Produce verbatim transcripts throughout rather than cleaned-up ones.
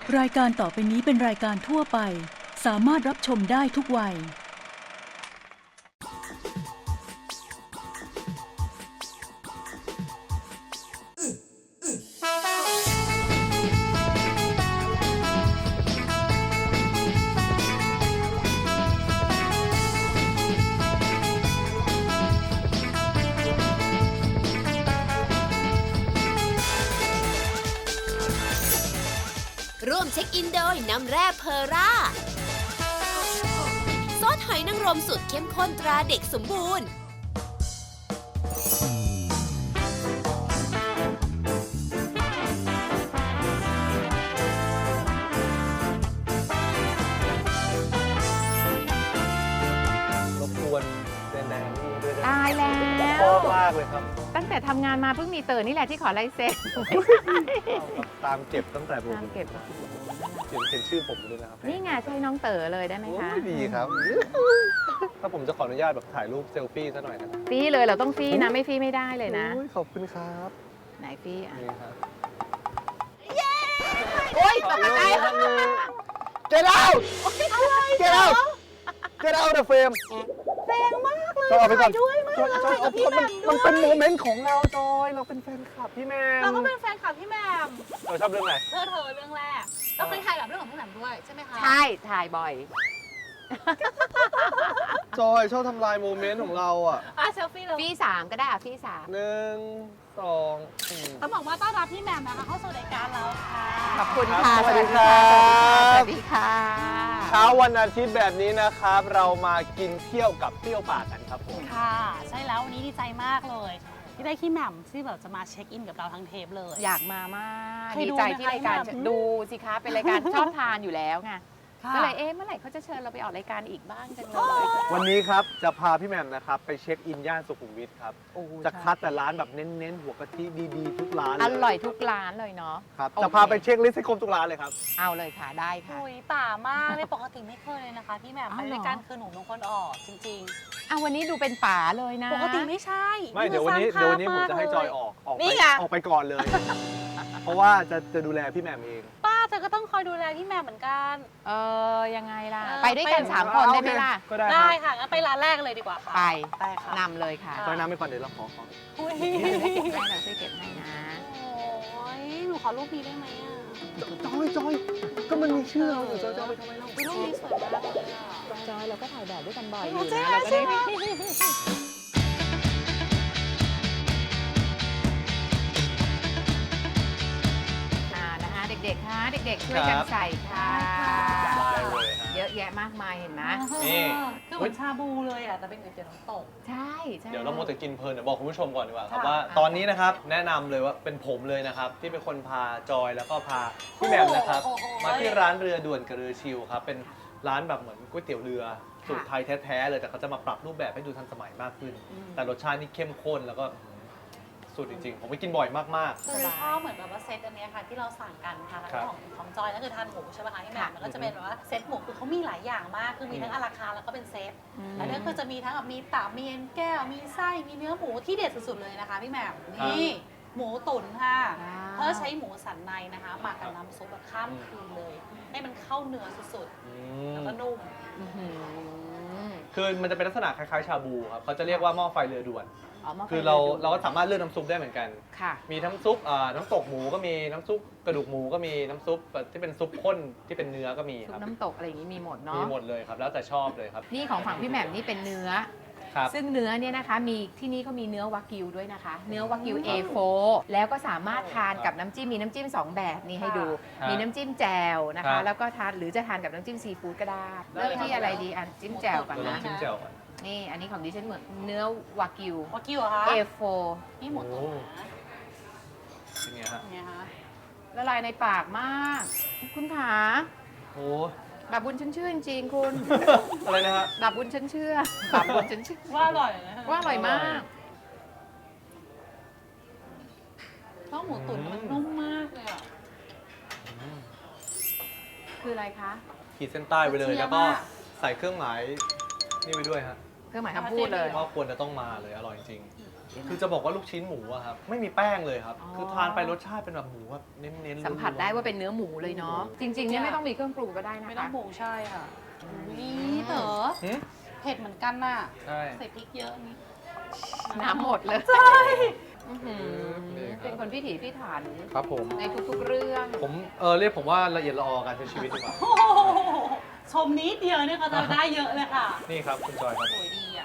รายการต่อไปนี้เป็นรายการทั่วไปสามารถรับชมได้ทุกวัยร่วมเช็คอินโดยน้ำแร่เพอร่าซอสหอยนางรมสุดเข้มข้นตราเด็กสมบูรณ์รบกวนแดนๆนี่ด้วยนะตายแล้วชอบมากเลยครับตั้งแต่ทำงานมาเพิ่งมีเต๋อนี่แหละที่ขอลายเซ็นตามเก็บตั้งแต่ผมตามเก็บเขียนเขียนชื่อผมด้วยนะครับนี่ไงใช่น้องเต๋อเลยได้ไหมโอ้คะยดีครับ ถ้าผมจะขออนุญาตแบบถ่ายรูปเซลฟี่ซะหน่อยนะครับฟรีเลยเราต้องฟรีนะไม่ฟรีไม่ได้เลยนะโอ้ยขอบคุณครับไหนฟรีอ่ะนี่ครับโอ๊ยตกใจ Get out Get out Get out the frame แรงมากเลยจอยเอาไปก่อนด้วยมากจอยจอยเอาพี่เพราะแหมัม่นมมันด้เป็วนโมยเมนต์ของเราจอยเราเป็นแฟนคลับพี่แมมเราก็เป็นแฟนคลับพี่แหมมเราชอบเรื่องไหนเธอเธอเรื่องแรก เราเคยถ่ายแบบเรื่องของพี่แหมมด้วยใช่ไหมคะใช่ถ่ายบ่อยจอยชอบทำลายโมเมนต์ของเราอ่ะอ่ะเซลฟี่เราฟรีสามก็ได้อ่ะฟรีสามหนึ่งสองอืมต้องบอกว่าต้อนรับพี่แหมมนะคะเข้าสู่รายการเราค่ะขอบคุณครับค่ะสวัสดีครับสวัสดีค่ะเช้าวันอาทิตย์แบบนี้นะครับ เรามากินเที่ยวกับเที่ยวป่ากันครับผมค่ะ ใช่แล้ววันนี้ดีใจมากเลย ที่ได้พี่แหมมที่แบบจะมาเช็คอินกับเราทั้งเทปเลยอยากมามากเคยดีดูใจไหมที่คะรายการแบบดูสิคะเป็นรายการชอบทานอยู่แล้วไงค่ะก็เลยเอ๊ะเมื่อไหร่เขาจะเชิญเราไปออกรายการอีกบ้างจังเลยวันนี้ครับจะพาพี่แหม่มนะครับไปเช็คอินย่านสุขุมวิทครับโอ้จะคัดแต่ร้านแบบเน้นๆ หัวกะทิดีๆ ทุกร้านเลอร่อยทุกร้านเลยเนาะครับโอเคจะพาไปเช็คลิสต์ให้ครบทุกร้านเลยครับเอาเลยค่ะได้ค่ะคุยป่ามากเลยปกติไม่เคยเลยนะคะ พี่แหมมอ้าไปวเหรอรายการคือหนูเป็นคนออกจริงเอาวันนี้ดูเป็นป๋าเลยนะๆ ปกติไม่ใช่ไม่เดี๋ยววันนี้คือเดี๋ยววันนี้ผมสร้างจะให้ภาพจอยออกออกนี่ไปไงออกไปก่อนเลย เพราะว่าจะจะดูแลพี่แหม่มเองป้าเธอก็ต้องคอยดูแลพี่แหมมเหมือนกันเออยังไงล่ะเออไปด้วยกันไปสามคนได้ไหมล่ะก็ได้คได้รับค่ะงั้นไปร้านแรกเลยดีกว่าค่ะไปไปค่ะนำเลยค่ะค่ะจอยน้ำไปก่อนเดี๋ยวเราขอขออุ้ยให้เราช่วยเก็บให้นะโอ้ยหนูขอรูปนี้ได้ไหมอ่ะจอยจอยก็มันมีชื่อเราอยู่จอยจอยไปทำไมเรารูปนี้สวยมากเลยอ่ะจอยเราก็ถ่ายแบบด้วยกันบ่อยอโอ้ยู่ใช่นะไหมเราก็ใช่ได้ไหมอ่านะคะเด็กๆคะเด็กๆช่วยกันใส่ค่ะได้เลยฮะเยอะแยะมากมายเห็นไหมนี่คือเหมือนชาบูเลยอ่ะแต่เป็นก๋วยเตี๋ยวน้ำตกใช่ใช่เดี๋ยวเราโมจะกินเพลินเดี๋ยวบอกคุณผู้ชมก่อนดีกว่าครับค่ะว่าตอนนี้นะครับแนะนำเลยว่าเป็นผมเลยนะครับที่เป็นคนพาจอยแล้วก็พาพี่แหม่มนะครับมาที่ร้านเรือด่วนกับเรือชิลครับเป็นร้านแบบเหมือนก๋วยเตี๋ยวเรือสูตรไทยแท้ๆเลยแต่เขาจะมาปรับรูปแบบให้ดูทันสมัยมากขึ้น แต่รสชาตินี่เข้มข้นแล้วก็สุดจริงๆ ผมไปกินบ่อยมากคือชอบเหมือนแบบว่าเซตอันเนี้ยค่ะที่เราสั่งกันค่ะครับของของจอยนั่นคือทานหมูใช่ไหมคะที่แหม่มมันก็จะเป็นแบบว่าเซตหมูคือเขามีหลายอย่างมากคือมีทั้งอาราคาร์ทแล้วก็เป็นเซตอืมแล้วเนี่ยคือจะมีทั้งแบบมีตับมีเอ็นแก้วมีไส้มีเนื้อหมูที่เด็ดสุดๆเลยนะคะพี่แหม่มนี่หมูตุ๋นค่ะว้าวเพื่อใช้หมูสันในนะคะหมักกับน้ำซุปแบบข้ามคืนเลย ให้มันเข้าเนื้อสุดๆอืๆมแล้วก็นุ่มอื้อหือคือมันจะเป็นลักษณะคล้ายๆชาบูครับเขาจะเรียกว่าหม้อไฟเรือด่วนเอามาคือเราเราก็สามารถเลือกน้ำซุปได้เหมือนกันค่ะมีน้ำซุปอ่าน้ำตกหมูก็มีน้ำซุปกระดูกหมูก็มีน้ำซุปแบบที่เป็นซุปข้นที่เป็นเนื้อก็มีซุคปรับน้ำตกอะไรอย่างนี้มีหมดเนาะมีหมดเลยครับแล้วแต่ชอบเลยครับนี่ของฝั่งพี่แหม่มนี่เป็นเนื้อครับซึ่งเนื้อเนี่ยนะคะมีที่นี่เขามีเนื้อวากิวด้วยนะคะ เนื้อวากิว เอ โฟร์ แล้วก็สามารถทานกับน้ำจิ้มมีน้ำจิ้มสองแบบนี่ให้ดูครับมีน้ำจิ้มแจ่วนะครัคะบแล้วก็ทานหรือจะทานกับน้ำจิ้มซีฟู้ดก็ได้ได้เริ่มที่อะไรดีอันจิ้มแจ่วก่อนเราลอนะงชิมแจ่วก่อนนี่อันนี้ของดิฉันเหมือนเนื้อวากิววากิวเหรอคะเอ โฟร์นี่หมูตุ๋นนะเป็นไงฮะเนี่ยคะละลายในปากมาก คุณขาโอ้บาปบุญฉันเชื่อจริงๆคุณอะไรนะฮะบาปบุญฉันเชื่อบาปบุญฉันเชื่อว่าอร่อยนะว่าอร่อยมากเพราะหมูตุ๋นมันนุ่มมากเลยอ่ะคืออะไรคะขีดเส้นใต้ไปเลยเชียร์แล้วก็มากใส่เครื่องหมายนี่ไปด้วยฮะเครื่องหมายคำพูดเลยว่าควรจะต้องมาเลยอร่อยจริงคือจะบอกว่าลูกชิ้นหมูอะครับไม่มีแป้งเลยครับอ๋อคือทานไปรสชาติเป็นแบบหมูแบบเน้นๆสัมผัสได้ว่าเป็นเนื้อหมูเลยเนาะจริงๆเนี่ยไม่ต้องมีเครื่องปรุงก็ได้นะคะไม่ต้องหมูใช่ค่ะนี่เต๋อหึเผ็ดเหมือนกันน่ะใช่ใส่พริกเยอะนี่น้ำหมดเลยใช่อื้อหือนี่ครับเป็นคนพิถีพิถันครับผมในทุกๆเรื่องผมเออเรียกผมว่าละเอียดละออการใช้ชีวิตดีกว่าโอ้โหชมนิดเดียวเนี่ยก็จะได้เยอะเลยค่ะนี่ครับคุณจอยครับโอ้ยดีอ่ะ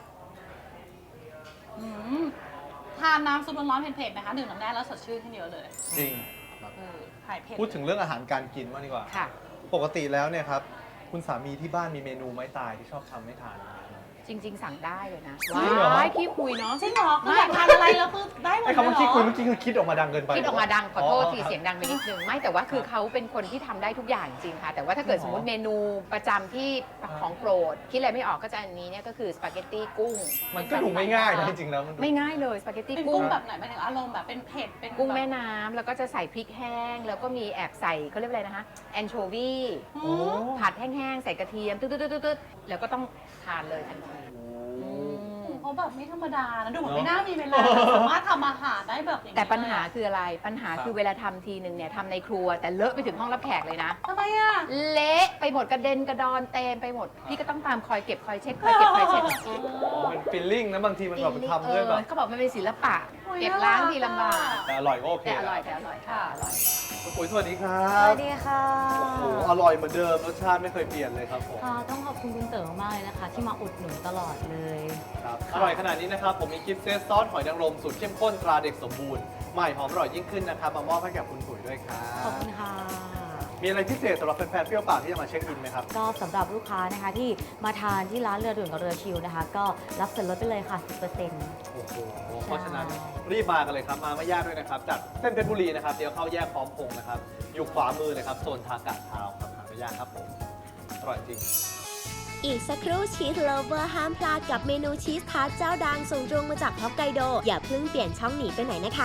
อืมทานน้ำซุปร้อนๆเผ็ดๆไหมคะดื่มน้ำแร่แล้วสดชื่นขึ้นเยอะเลยจริงเออหายเผ็ดพูดถึงเรื่องอาหารการกินมากดีกว่าค่ะปกติแล้วเนี่ยครับคุณสามีที่บ้านมีเมนูไม้ตายที่ชอบทำให้ทานไหมครับจริง ๆ สั่งได้เลยนะจริงเหรอว้ายขี้คุยเนาะจริงเหรอคืออยากทานอะไรแล้วคือได้หมดไอ้เลยคำว่าขี้คุยเหรเมื่อกี้คือคิดออกมาดังเกินไปคิดออกมาดังขอโทษทีครับเสียงดังไปนิดนึงไม่แต่ว่าคือเขาเป็นคนที่ทำได้ทุกอย่างจริงค่ะ แต่ว่าถ้าเกิดจริสงมเหรอมติเมนูประจำที่ของโปรดคิดอะไรไม่ออกก็จะอันนี้เนี่ยก็คือสปาเกตตี้กุ้งมันก็ดูไม่ง่ายนะจริงๆแล้วมันดูไม่ง่ายเลยสปาเกตตี้เป็นกุ้กุ้งงแบบไหนหมายถึงอารมณ์แบบเป็นเผ็ดเป็นกุ้งแม่บบน้ำแล้วก็จะใส่พริกแห้ง แล้วก็มีแอบใส่เขาเรียกว่าอะไรนะคะแอนโชวีอืโอ้มผัดแห้งๆใส่กระเทียมตึ๊ดๆๆๆแล้วก็ต้องทานเลยทันทีอืมเขาแบบไม่ธรรมดานะดูเหมือนเนอะไม่น่ามีเวลาสามารถทำอาหารได้แบบอย่างนี้แต่ปัญหาเลยคืออะไรปัญหาครับคือเวลาทำทีหนึ่งเนี่ยทำในครัว แต่เลอะไปถึงห้องรับแขกเลยนะทำไมอ่ะเละไปหมดกระเด็นกระดอนเต็มไปหมด พี่ก็ต้องตามคอยเก็บคอยเช็ดคอยเก็บคอยเช็ดมันฟิลลิ่งนะบางทีมันแบบทำด้วยแบบเออเขาบอกมันเป็นศิลปะโอ้ยเก็บล้างทีลำบากแต่อร่อยก็โอเคแต่อร่อยแต่อร่อยค่ะอร่อยคุณปุ๋ยสวัสดีครัสบวัสดีค่ะโอ้โหอร่อยเหมือนเดิมรสชาติไม่เคยเปลี่ยนเลยครับผมค่ะต้องขอบคุณคุณเต๋อมากเลยนะคะ ที่มาอุดหนุนตลอดเลยครับอร่อยขนาดนี้นะครับผมมีกิฟต์เซตซอสหอยนางรมสูตรเข้มข้นตราเด็กสมบูรณ์ใหม่หอมอร่อยยิ่งขึ้นนะครับมามอบให้กับคุณปุ๋ยด้วยครัขอบบ คุณค่ะมีอะไรพิเศษสำหรับแฟนๆเปรี้ยวปากที่จะมาเช็คอินไหมครับก็สำหรับลูกค้านะคะที่มาทานที่ร้านเรือด่วนกับเรือชิวนะคะ ก็รับส่วนลดไปเลยค่ะ สิบเปอร์เซ็นต์โอ้โหเพราะฉะนั้นรีบมากันเลยครับมาไม่ยากด้วยนะครับจากเส้นเพชรบุรีนะครับเดี๋ยวเข้าแยกพร้อมพงษ์นะครับอยู่ขวามือเลยครับโซนทากาศเท้าครับหาไม่ยากครับผมอร่อยจริงอีกสักครู่ชีสโลเวอร์ห้ามพลาดกับเมนูชีสทาร์ตเจ้าดังส่งตรงมาจากฮอกไกโด อย่าเพิ่งเปลี่ยนช่องหนีไปไหนนะคะ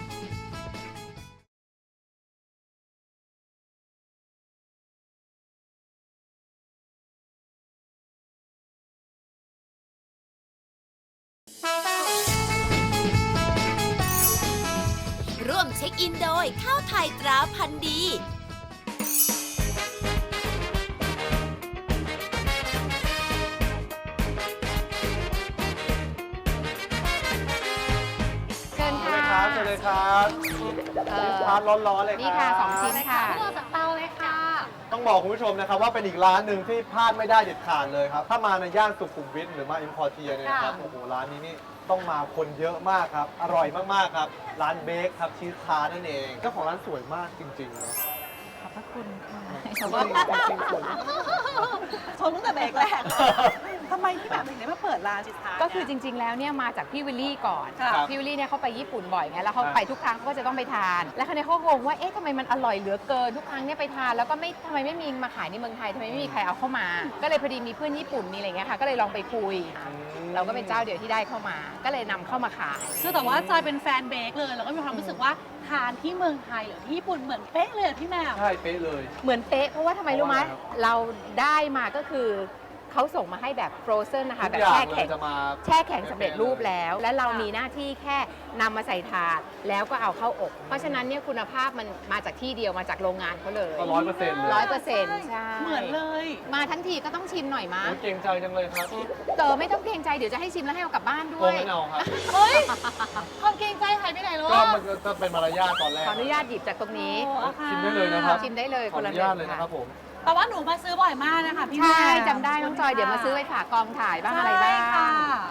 ร่วมเช็คอินโดยข้าวไทยตราพันธุ์ดีเชิญเชิญค่ะเลยครับเชิญเลยครับเอ่อทานร้อนๆเลยครับนี่ค่ะสองชิ้นค่ะพวกเราจากเตาเลยค่ะต้องบอกคุณผู้ชมนะครับว่าเป็นอีกร้านหนึ่งที่พลาดไม่ได้เด็ดขาดเลยครับ ถ้ามาในย่านสุขุมวิทหรือมาอิมพอร์เทียเนี่ยนะครับค่ะโอ้โหร้านนี้นี่ต้องมาคนเยอะมากครับ อร่อยมากๆครับ ร้านเบคครับชีสทาร์ตนั่นเองเจ้าของร้านสวยมากจริงๆนะขอบพระคุณค่ะจริงๆจริงๆสวยมากชมตั้งแต่เบรกแรกทำไมพี่แบบถึงได้มาเปิดร้านชิทาก็คือจริง ๆ แล้วเนี่ยมาจากพี่วิลลี่ก่อนค่ะพี่วิลลี่เนี่ยเขาไปญี่ปุ่นบ่อยไง แล้วเขาครับไปทุกครั้งเขาก็จะต้องไปทาน แล้วเขาเนี่ยเขางงว่าเอ๊ะทำไมมันอร่อยเหลือเกินทุกครั้งเนี่ยไปทานแล้วก็ไม่ทำไมไม่มีมาขายในเมืองไทยทำไมไม่มีใครเอาเข้ามา ก็เลยพอดีมีเพื่อนญี่ปุ่นมีอะไรเงี้ยค่ะ ก็เลยลองไปคุย เราก็เป็นเจ้าเดียวที่ได้เข้ามา ก็เลยนำเข้ามาขายคือแต่ว่าจอยเป็นแฟนเบรกเลย แล้วก็มีความรู้สึกว่าทานที่เมืองไทยหรือที่ญี่ปุ่นเหมือนเป๊ะเลยอะพี่แมวใช่เป๊ะเลยเหมือนเป๊ะเพราะว่าทำไมรู้ไหมเพราะว่าอะไรครับเราได้มาก็คือเขาส่งมาให้แบบฟรอเซนนะคะทุแบกบอย่างแช่เลแข็ยงจะมาแช่แข็งสำเร็จรูปเลยแล้ว และเราค่ะมีหน้าที่แค่นำมาใส่ถาดแล้วก็เอาเข้าอบ เพราะฉะนั้นเนี่ยคุณภาพมันมาจากที่เดียวมาจากโรงงานเขาเลยก็ร้อยเปอร์เซ็นต์เลยร้อยเปอร์เซ็นต์ใช่เหมือนเลยมาทั้งทีก็ต้องชิมหน่อยมั้ยโอ้ยเก่งใจจังเลยครับเต๋อไม่ต้องเกรงใจเดี๋ยวจะให้ชิมแล้วให้เอากลับบ้านด้โกวงยไม่เอาครับเฮ้ยความเกรงใจหายไปไหนแล้วก็อะมันจะเป็นมารยาทตอนแรกขออนุญาตหยิบจากตรงนี้โอ้ค่ะชิมได้เลยนะครับชิมได้เลยขคอน อละนุหนึ่ญาตงเลยนะครับผมแต่ว่าหนูมาซื้อบ่อยมากนะคะพี่แมวใช่จำได้น้องจอยเดี๋ยวมาซื้อไปฝากกองถ่ายบ้างอะไรบ้างใช่ค่ะ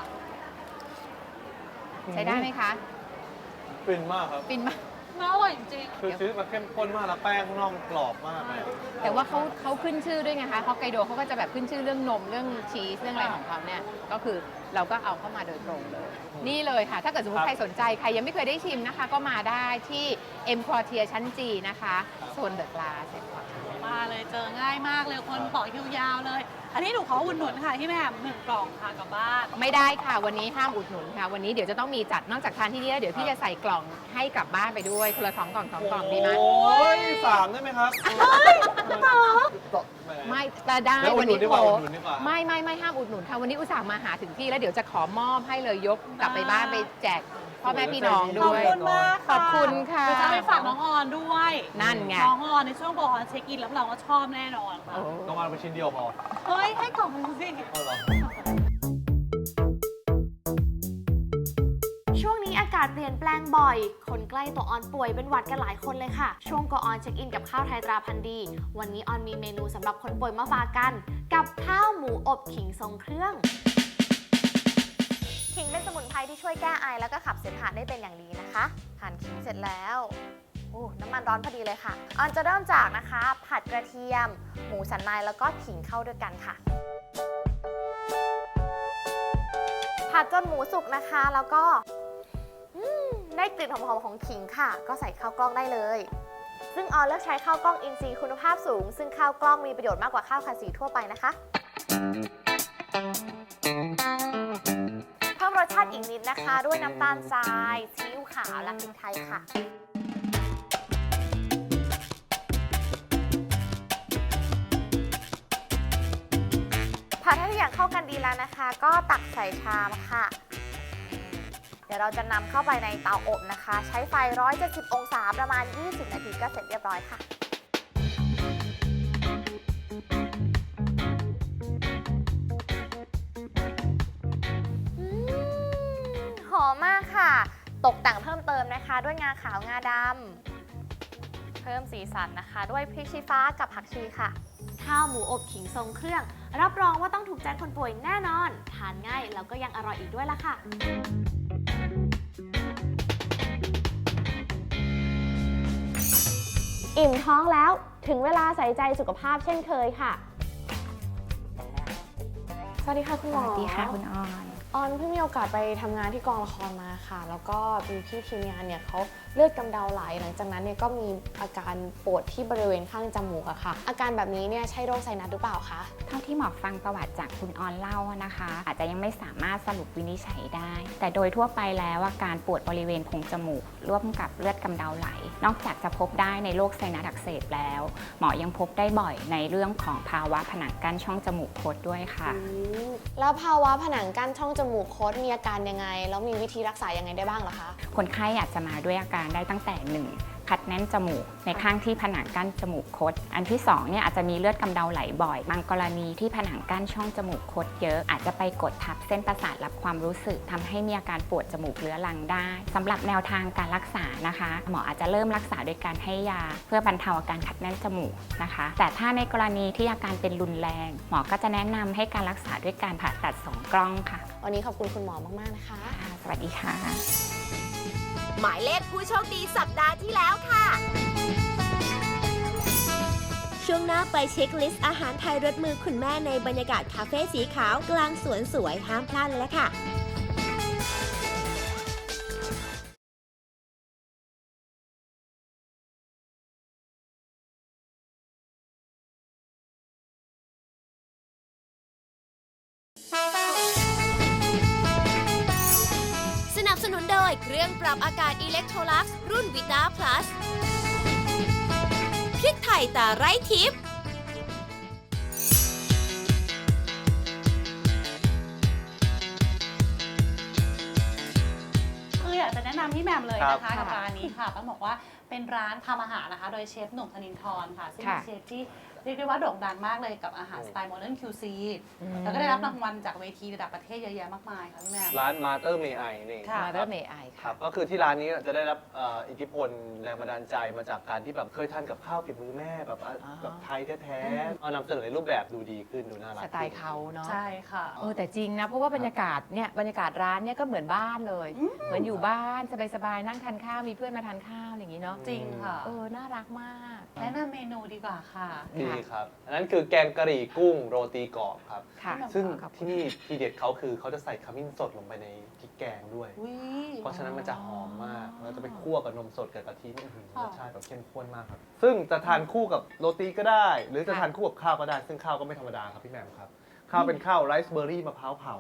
ใช้ได้ไหมคะฟินมากครับฟินมากมันอร่อยจริงคือชีสมันเข้มข้นมากแล้วแป้งข้างนอกมันกรอบมากเลยแต่ว่าเขาเขาขึ้นชื่อด้วยไงคะฮอกไกโดเขาก็จะแบบขึ้นชื่อเรื่องนมเรื่องชีสเรื่องอะไรของเขาเนี่ยก็คือเราก็เอาเข้ามาโดยตรงเลย นี่เลยค่ะ ถ้าเกิดสมมคติรับใครสนใจ ใครยังไม่เคยได้ชิมนะคะ ก็มาได้ที่เอ็มควอเทียชั้นจีนะคะโซนเดอะกลาสๆ มาเลยเจอง่ายมากเลยคนต่อคิวยาวเลย อันนี้หนูขออุ่นหนุนค่ะพี่แหม่มหนึ่งกล่องค่ะกลับบ้านไม่ได้ค่ะ วันนี้ห้ามอุดหนุนค่ะ วันนี้เดี๋ยวจะต้องมีจัดนอกจากทานที่นี่แล้วเดี๋ยวพี่จะใส่กล่องให้กลับบ้านไปด้วยคนละสองกล่องสองกล่องดีไหมโอ้ยสามได้ไหมครับต่อแหมไม่แต่ได้แล้วอุวัดนหนุนี้นดีกว่าโอ้อุดหนุนดีกว่าไม่ไม่ไม่ห้ามอุดหนุนค่ะวันนี้อุตส่าห์มาหาถึงที่แล้วเดี๋ยวจะขอมอบให้เลยยกกลับไปบ้านไปแจกพ่อแม่พี่น้องขอบด้วยคุณมากขอบคุณค่ะเดี๋ยวจะไปฝากน้องออนด้วยนั่นไงน้องออนในช่วงโกออนเช็คอินแล้วเราก็ชอบแน่นอนค่ะโอ้ต้องมาเป็นชิ้นเดียวพอเฮ้ย ให้กล่องนึงสิเอาเหรอช่วงนี้อากาศเปลี่ยนแปลงบ่อย คนใกล้ตัวออนป่วยเป็นหวัดกันหลายคนเลยค่ะ ช่วงโกออนเช็คอินกับข้าวไทยตราพันธุ์ดี วันนี้ออนมีเมนูสำหรับคนป่วยมาฝากกัน กับข้าวหมูอบขิงทรงเครื่อง ขิงเป็นสมุนไพรที่ช่วยแก้ไอแล้วก็ขับเสมหะได้เป็นอย่างดีนะคะหั่นขิงเสร็จแล้วโอ้น้ำมันร้อนพอดีเลยค่ะออนจะเริ่มจากนะคะ ผัดกระเทียม หมูสันในแล้วก็ขิงเข้าด้วยกันค่ะ ผัดจนหมูสุกนะคะ แล้วก็อืมได้กลิ่นหอมๆของขิงค่ะ ก็ใส่ข้าวกล้องได้เลย ซึ่งออนเลือกใช้ข้าวกล้องอินทรีย์คุณภาพสูง ซึ่งข้าวกล้องมีประโยชน์มากกว่าข้าวคันสีทั่วไปนะคะ เพิ่มรสชาติอีกนิดนะคะ ด้วยน้ำตาลทรายซีอิ๊วขาวและพริกไทยค่ะ ผัดให้ทุกอย่างเข้ากันดีแล้วนะคะ ก็ตักใส่ชามค่ะ เดี๋ยวเราจะนำเข้าไปในเตาอบนะคะ ใช้ไฟหนึ่งร้อยเจ็ดสิบองศาประมาณ ยี่สิบ นาทีก็เสร็จเรียบร้อยค่ะ อืมหอมมากค่ะ ตกแต่งเพิ่มเติมนะคะ ด้วยงาขาวงาดำเพิ่มสีสันนะคะ ด้วยพริกชี้ฟ้ากับผักชีค่ะ ข้าวหมูอบขิงทรงเครื่อง รับรองว่าต้องถูกใจคนป่วยแน่นอน ทานง่ายแล้วก็ยังอร่อยอีกด้วยล่ะค่ะ อิ่มท้องแล้วถึงเวลาใส่ใจสุขภาพเช่นเคยค่ะ สวัสดีค่ะคุณหมอสวัสดีค่ะคุณออนออนเพิ่งมีโอกาสไปทำงานที่กองละครมาค่ะ แล้วก็มีพี่ทีมงานเนี่ยเขาเลือดกำเดาไหลหลังจากนั้นเนี่ยก็มีอาการปวดที่บริเวณข้างจมูกอะค่ะ อาการแบบนี้เนี่ยใช่โรคไซนัสหรือเปล่าคะเท่าที่หมอฟังประวัติจากคุณออนเล่านะคะ อาจจะยังไม่สามารถสรุปวินิจฉัยได้ แต่โดยทั่วไปแล้วอาการปวดบริเวณโพรงจมูก ร่วมกับเลือดกำเดาไหล นอกจากจะพบได้ในโรคไซนัสอักเสบแล้ว หมอยังพบได้บ่อยในเรื่องของภาวะผนังกั้นช่องจมูกคดด้วยค่ะอืมแล้วภาวะผนังกั้นช่องจมูกคดมีอาการยังไงแล้วมีวิธีรักษายังไงได้บ้างเหรอคะคนไข้อาจจะมาด้วยอาการได้ตั้งแต่หนึ่งคัดแน่นจมูกในข้างที่ผนังกั้นจมูกคด อันที่สองเนี่ยอาจจะมีเลือดกำเดาไหลบ่อย บางกรณีที่ผนังกั้นช่องจมูกคดเยอะอาจจะไปกดทับเส้นประสาทรับความรู้สึกทำให้มีอาการปวดจมูกเรื้อรังได้สำหรับแนวทางการรักษานะคะ หมออาจจะเริ่มรักษาโดยการให้ยา เพื่อบรรเทาอาการคัดแน่นจมูกนะคะ แต่ถ้าในกรณีที่อาการเป็นรุนแรงหมอก็จะแนะนำให้การรักษาด้วยการผ่าตัดสองกล้องค่ะวันนี้ขอบคุณคุณหมอมากๆนะคะค่ะสวัสดีค่ะหมายเลขผู้โชคดีสัปดาห์ที่แล้วค่ะ ช่วงหน้าไปเช็คลิสต์อาหารไทยรสมือคุณแม่ในบรรยากาศคาเฟ่สีขาวกลางสวนสวยห้ามพลาดเลยละค่ะ สนับสนุนโดยเครื่องปรับอากาศอิเล็กโทรลักซ์รุ่นวิตาพลัสพริกไทยตาไร้ทิพย์คืออยากจะแนะนำพี่แหม่มเลยครับนะคะกับร้านนี้ค่ะต้องบอกว่าเป็นร้านทำอาหารนะคะ โดยเชฟหนุ่มธนินทร์ค่ะ ซึ่งเป็นค่ะเชฟที่เรียกได้ว่าโด่งดังมากเลยกับอาหารสไตล์โมเดิร์นคิวซีแล้วก็ได้รับรางวัลจากเวทีระดับประเทศเยอะแยะมากมายค่ะพี่แหม่มร้านมาเตอร์เมไอนี่ค่ะมาเริ่มเมไอคค่ะรับก็คือที่ร้านนี้จะได้รับเอ่ออิทธิพลแรงบันดาลใจมาจากการที่แบบเคยทานกับข้าวฝีมือแม่แบบอ่ะอ๋อแบบไทยแท้ๆเอานำเสนอในรูปแบบดูดีขึ้นดูน่ารักสไตล์เขาเนาะใช่ค่ะเออแต่จริงนะเพราะว่าบรรยากาศเนี่ยบรรยากาศร้านเนี่ยก็เหมือนบ้านเลยอืมเหมือนอยู่บ้านสบายๆนั่งทานข้าวมีเพื่อนมาทานข้าวอย่างนี้เนาะจริงค่ะเออน่ารักมากแนะนำเมนูดีกว่าค่ะดีครับอันนั้นคือแกงกะหรี่กุ้งโรตีกรอบครับค่ะซึ่งขอบคุณที่นี่ทีเด็ดเขาคือเขาจะใส่ขมิ้นสดลงไปในพริกแกงด้วยอุ๊ยเพราะฉะนั้นมันจะหอมมากเราจะไปคั่วกับนมสดกับกะทินี่อื้อหือค่ะรสชาติแบบเข้มข้นมากครับ ซึ่งจะทานคู่กับโรตีก็ได้ หรือจะทานคู่กับข้าวก็ได้ ซึ่งข้าวก็ไม่ธรรมดาครับพี่แหม่มครับ ข้าวเป็นข้าวไรซ์เบอร์รี่มะพร้าวเผา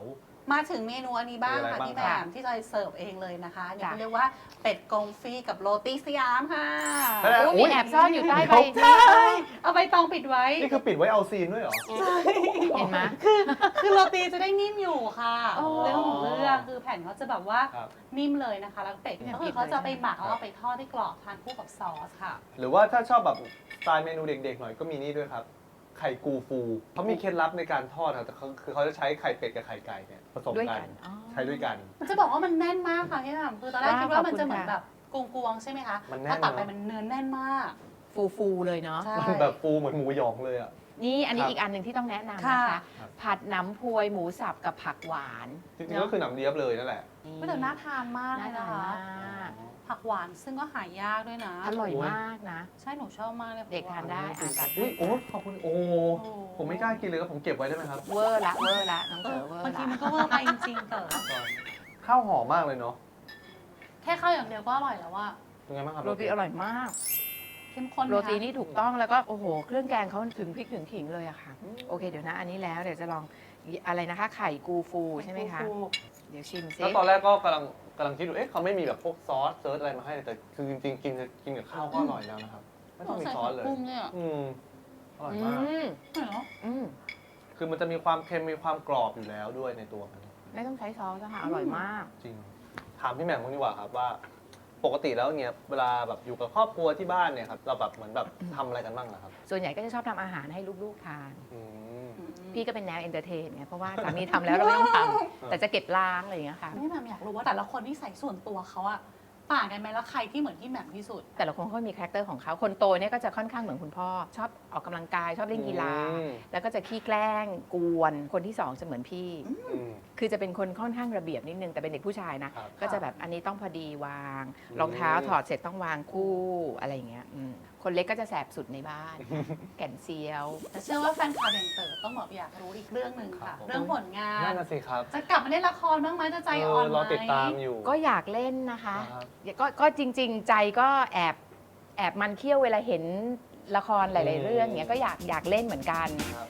มาถึงเมนูอันนี้บ้างมีอะไรค่ะบ้างพี่แหมครับมที่จอยเสิร์ฟเองเลยนะคะเดี๋ยวจ้ะเรียกว่าเป็ดกงฟรีกับโรตีสยามค่ะเฮ้ยโอ้มีแอบซ่อนอยู่ใต้ใบใช่เอาใบตองปิดไว้นี่คือปิดไว้เอาซีนด้วยเหรอเห็นไหมคือคือโรตีจะได้นิ่มอยู่ค่ะอ๋อเรื่องของเรื่องคือแผ่นเขาจะแบบว่าครับนิ่มเลยนะคะ แล้วเป็ดเนี่ยก็คือเขาจะไปหมักแล้วก็ไปทอดให้กรอบทานคู่กับซอสค่ะหรือว่าถ้าชอบแบบสไตล์เมนูเด็กๆหน่อยก็มีนี่ด้วยครับ ไข่กูฟูเขามีเคล็ดลับในการทอดครับแต่เขาคือเขาจะใช้ไข่เป็ดกับไข่ไก่เนี่ยผสมด้วยกักัน นอ๋อใช้ด้วยกันมันจะบอกว่ามันแน่นมากค่ะพี่แหม่มคือตอนแรกว้าวคิดว่ามันขอบคุณจะเหมือนค่ะแบบกวงๆใช่ไหมคะมันแน่นพอตัดไปเนอะมันเนื้อแน่นมากฟูฟูๆเลยเนาะใช่มันแบบฟูเหมือนหมูหยองเลยอ่ะนี่อันนี้ครับอีกอันหนึ่งที่ต้องแนะนำค่ะนะคะ ผัดหน้ำพวยหมูสับกับผักหวานจริงๆก็คือหนำเลียบเลยนั่นแหละก็แต่น่าทานมากเลน่าย ทานะนคะมากผักหวานซึ่งก็หายากด้วยนะอร่อยมากนะใช่หนูชอบมากเลยเด็กทานได้อ่านตัดอุ้ยโอ้ขอบคุณโอ้โอ้ผมไม่กล้ากินเลยครับผมเก็บไว้ได้ไหมครับเวอร์ละเวอร์ละน้องเอเต๋ออเวอร์บางทีละมันก็เวอร์ไปจริงๆเต๋อข้าวหอมมากเลยเนาะแค่ข้าวอย่างเดียวก็อร่อยแล้วว่าเป็นไงบ้างครับโรตีอร่อยมากเข้มข้นไหมคะโรตีนี่ถูกต้องแล้วก็โอ้โห เครื่องแกงเขาถึงพริกถึงขิงเลยอะค่ะ โอเคเดี๋ยวนะอันนี้แล้วเดี๋ยวจะลองอะไรนะคะ ไข่กูฟูใช่ไหมคะ เดี๋ยวชิมซิแล้วตอนแรกก็กำลังกำลังคิดดูเอ๊ะเขาไม่มีแบบพวกซอสเซิร์ชอะไรมาให้แต่คือจริงๆกินกินกับข้าวก็อร่อยแล้วนะครับไม่ต้องมีซอสเลยใส่ผักบุ้งเนี่ยอืมอร่อยอืมากมเหรออืมคือมันจะมีความเค็มมีความกรอบอยู่แล้วด้วยในตัวมันไม่ต้องใช้ซอสนะคะอร่อยมากจริง ถามพี่แหม่มบ้างดีกว่าครับว่า ปกติแล้วเนี่ยเวลาแบบอยู่กับครอบครัวที่บ้านเนี่ยครับเราแบบเหมือนแบบทำอะไรกันบ้างล่ะครับส่วนใหญ่ก็จะชอบทำอาหารให้ลูกๆทานอืมพี่ก็เป็นแนวเอนเตอร์เทนไงเพราะว่าสามีทำแล้วเราไม่ต้องทำแต่จะเก็บล้างอะไรอย่างเงี้ยค่ะพี่แหม่มอยากรู้ว่าแต่ละคนที่ใส่ส่วนตัวเขาอะต่างกันไหมแล้วใครที่เหมือนพี่แหม่มที่สุดแต่ละคนเขามีคาแรคเตอร์ของเขาคนโตเนี่ยก็จะค่อนข้างเหมือนคุณพ่อ ชอบออกกำลังกายชอบเล่นกีฬาอืมแล้วก็จะขี้แกล้งกวนคนที่สองจะเหมือนพี่อืมคือจะเป็นคนค่อนข้างระเบียบนิดนึงแต่เป็นเด็กผู้ชายนะครับก็จะแบบอันนี้ต้องพอดีวางอืมรองเท้าถอดเสร็จต้องวางคู่อะไรอย่างเงี้ยอืมคนเล็กก็จะแสบสุดในบ้าน แก่นเซียวแต่เชื่อว่าแฟนคลับอย่างเต๋อต้องแบบอยากรู้อีกเรื่องหนึ่งครัค่ะบผมเรื่องผลงานนั่นน่ะสิครับจะกลับมาเล่นละครบ้างไหมจะใจอ่อนไหมรอติดตามอยู่ก็อยากเล่นนะคะครับก็ก็จริง ๆ ใจก็แอบแอบมันเคี้ยวเวลาเห็นละครหลาย ๆ เรื่องเนี้ยก็อยากอยากเล่นเหมือนกันครับ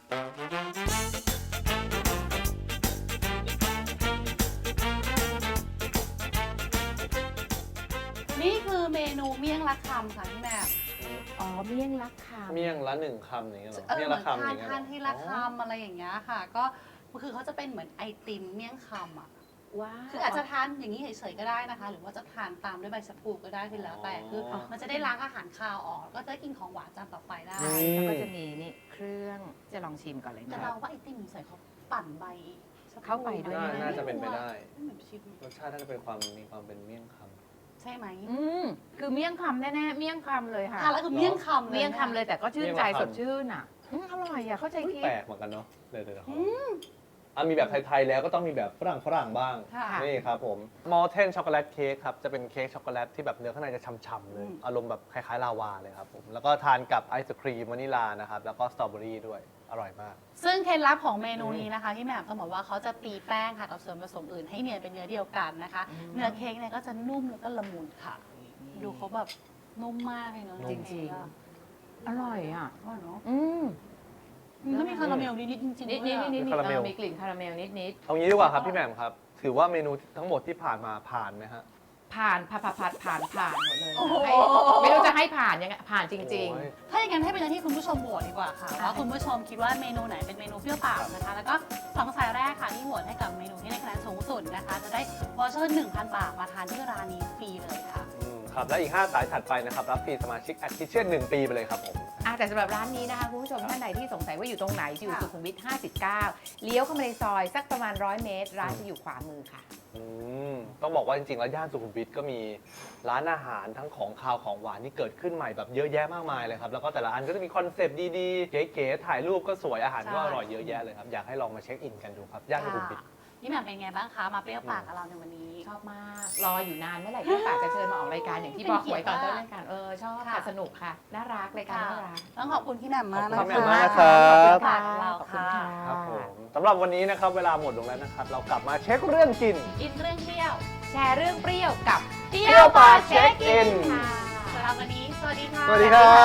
นี่คือเมนูเมี่ยงละคำค่ะพี่แหม่มอ๋อเมี่ยงลักคำเมี่ยงละหนึ่งคำอย่างเงี้ยเหรอเออเมี่ยงเหมืละอนคำอทาย่าน งเงี้ยเหรทาอนทีละคำอะไรอย่างเงี้ยค่ะ ก็คือเขาจะเป็นเหมือนไอติมเมี่ยงคำอ่ะว้าวคืออาจจะทานอย่างนี้เฉยๆก็ได้นะคะ หรือว่าจะทานตามด้วยใบชะพูก็ได้คือแล้วแต่คืออมันจะได้ล้างอาหารคาวออกก็จะได้กินของหวานจานต่อไปได้อืแล้วมก็จะมีนี่เครื่องจะลองชิมก่อนเลยแต่นะเราว่าไอติมใส่เขาปั่นใบชะพูเข้าไปด้วยน่าน่าจะเป็นไปได้ไม่เหมือนชิมรสชาติน่าจะเป็นความมีความเป็นเมี่ยงคใช่ไหมอืมคือเมี่ยงคำแน่ๆเมี่ยงคำเลยค่ะทานแล้วคือเมี่ยงคำเมี่ยงคำเลยแต่ก็ชื่นใจเมี่ยงคำสดชื่นอ่ะอืมอร่อยอ่ะเข้าใจำคิดแปลกเหมือนกันเนาะเดี๋ยวเดี๋ยวเดี๋ยวขออ่ะมีแบบไทยๆแล้วก็ต้องมีแบบฝรั่งฝรั่งบ้างค่ะนี่ครับผมมอลเทนช็อกโกแลตเค้กครับ จะเป็นเค้กช็อกโกแลตที่แบบเนื้อข้างในจะฉ่ำๆเลยอืมอารมณ์แบบคล้ายๆลาวาเลยครับผม แล้วก็ทานกับไอศครีมวานิลานะครับ แล้วก็สตรอเบอรี่ด้วย อร่อยมากซึ่งเคล็ดลับของเมนูนี้นะคะพี่แหม่มต้องบอกว่าเขาจะตีแป้งค่ะกับส่วนผสมอื่นให้เนียนเป็นเนื้อเดียวกันนะคะ เนื้อเค้กเนี่ยก็จะนุ่มแล้วก็ละมุนค่ะ ดูเขาแบบนุ่มมากเลยเนาะจริงๆๆอะอร่อยอ่ะอร่อยเนาะอืมมันก็มีคาราเมลนิดๆจริงๆนิดด้นิวยดอะนิดนิดคาราเมลมีกลิ่นคาราเมลนิดนิดเอางี้ดีกว่าครับพี่แหม่มครับ ถือว่าเมนูทั้งหมดที่ผ่านมาผ่านไหมฮะผ่านผ่านผ่านผ่านผ่านผ่านหมดเลยโอ้โหให้ไม่รู้จะให้ผ่านยังไงผ่านจริงโอ้ยถ้าอย่างนั้นให้เป็นหน้าที่คุณผู้ชมโหวตดีกว่าค่ะว่าคุณผู้ชมคิดว่าเมนูไหนเป็นเมนูเปรี้ยวปากนะคะ แล้วก็สองสายแรกค่ะที่โหวตให้กับเมนูที่ได้คะแนนสูงสุดนะคะ จะได้วอเชอร์หนึ่งพันบาทมาทานที่ร้านนี้ฟรีเลยค่ะอืมครับ และอีกห้าสายถัดไปนะครับ รับฟรีสมาชิกแอดทิเช่นหนึ่งปีไปเลยครับผมๆอ่ะแต่สำหรับร้านนี้นะคะคุณผู้ชมท่านใดที่สงสัยว่าอยู่ตรงไหนจะอยู่ค่ะสุขุมวิทห้าสิบเก้าเลี้ยวเข้ามาในซอยสักประมาณร้อยเมตร ร้านจะอยู่ขวามือค่ะอืมต้องบอกว่าจริงๆ แล้วย่านสุขุมวิทก็มีร้านอาหารทั้งของคาวของหวานที่เกิดขึ้นใหม่แบบเยอะแยะมากมายเลยครับ แล้วก็แต่ละอันก็จะมีคอนเซปต์ดีๆ เก๋ๆ ถ่ายรูปก็สวยอาหารก็อร่อยเยอะแยะเลยครับ อยากให้ลองมาเช็คอินกันดูครับย่านสุขุมวิทนี่แหม่มเป็นไงบ้างคะ มาเปรี้ยวปากกับเราในวันนี้ชอบมาก รออยู่นานเมื่อไหร่ที่ปากจะเชิญมาออกรายการอย่างที่บอกไว้ตอนต้นรายการเออชอบค่ะค่ะสนุกค่ะ น่ารักรายการน่ารักต้องขอบคุณพี่แหม่มมากนะขอบคุณคะมากครับขอบคุณค่ะเราขอบคุณค่ะค่ะครับผมสำหรับวันนี้นะครับเวลาหมดลงแล้วนะครับ เรากลับมาเช็คเรื่องกินอินเรื่องเที่ยวแชร์เรื่องเปรี้ยวกับเที่เที่ยวปากเช็คอินค่ะสำหรับวันนี้ สวัสดีค่ะสวัสดีครับ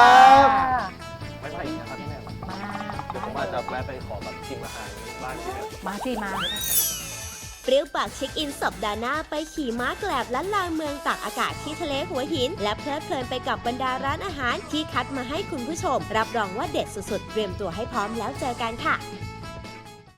ค่ะไม่ไปอีกนะครับพี่แม่มาเดี๋ยวผมอาจจะแวะไปขอแบบชิมอาหารบ้านที่แบบมาสิมาเปรี้ยวปากเช็คอินสัปดาห์หน้าไปขี่ม้าแกลบล้านลาเมืองตากอากาศที่ทะเลหัวหินและเพลิดเพลินไปกับบรรดาร้านอาหารที่คัดมาให้คุณผู้ชมรับรองว่าเด็ดสุดๆเตรียมตัวให้พร้อมแล้วเจอกันค่ะ